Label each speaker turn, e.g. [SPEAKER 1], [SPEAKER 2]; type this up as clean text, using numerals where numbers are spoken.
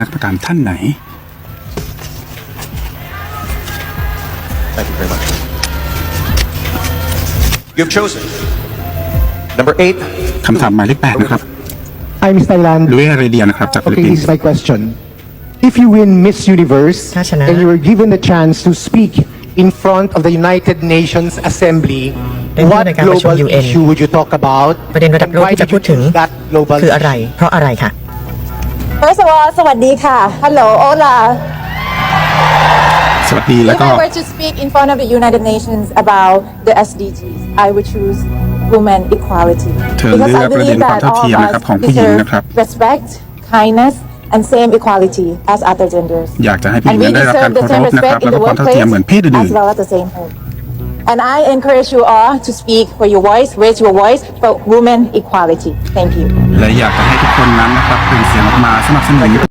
[SPEAKER 1] นักประการท่านไหน
[SPEAKER 2] Thank you very much. You have chosen number 8.
[SPEAKER 1] คำถามหมายเลข 8 นะครับ
[SPEAKER 3] I'm Mr. Land.
[SPEAKER 1] ลุยเรเดียนะครับจากฟิลิป
[SPEAKER 3] Okay,
[SPEAKER 1] ปิน
[SPEAKER 3] this
[SPEAKER 1] ส์
[SPEAKER 3] is my question. If you win Miss Universe
[SPEAKER 4] ถ้าชนะ
[SPEAKER 3] and you were given the chance to speak in front of the United Nations Assembly,
[SPEAKER 4] ได้พูด
[SPEAKER 3] what
[SPEAKER 4] ในการประชุม
[SPEAKER 3] global
[SPEAKER 4] UN
[SPEAKER 3] issue would you talk about?
[SPEAKER 4] ประเด็นระดับ
[SPEAKER 3] And
[SPEAKER 4] โลก
[SPEAKER 3] why
[SPEAKER 4] ที่จะ
[SPEAKER 3] did
[SPEAKER 4] พู
[SPEAKER 3] you
[SPEAKER 4] ดถึง
[SPEAKER 3] choose that global
[SPEAKER 4] คืออะไร
[SPEAKER 3] issue?
[SPEAKER 4] เพราะอะไรค่ะ
[SPEAKER 5] First of all สวัสดีค่ะ Hello Hola
[SPEAKER 1] สวัสดีแล้ว
[SPEAKER 5] If
[SPEAKER 1] ก็
[SPEAKER 5] I were to speak in front of the United Nations about the SDGs I would choose women equality
[SPEAKER 1] เธอเลือกประเด็นความเท่าเทียมนะครับของผู้หญิงนะครับ
[SPEAKER 5] respect kindness and same equality as other genders
[SPEAKER 1] อยากจะให้ผู้หญิง
[SPEAKER 5] and we
[SPEAKER 1] นั้นได้รับการ
[SPEAKER 5] deserve
[SPEAKER 1] เคา
[SPEAKER 5] the
[SPEAKER 1] ร
[SPEAKER 5] same
[SPEAKER 1] พนะครับ
[SPEAKER 5] respect
[SPEAKER 1] แล้
[SPEAKER 5] in
[SPEAKER 1] วก็
[SPEAKER 5] the
[SPEAKER 1] ความเท่าเทียม
[SPEAKER 5] workplace
[SPEAKER 1] เหมือนเพศอื่น
[SPEAKER 5] as well as the same home and I encourage you all to speak for your voice raise your voice for women equality thank you
[SPEAKER 1] และอยากจะให้ทุกคนนั้นนะครับเป็นเสียงออกมาสนับสนุน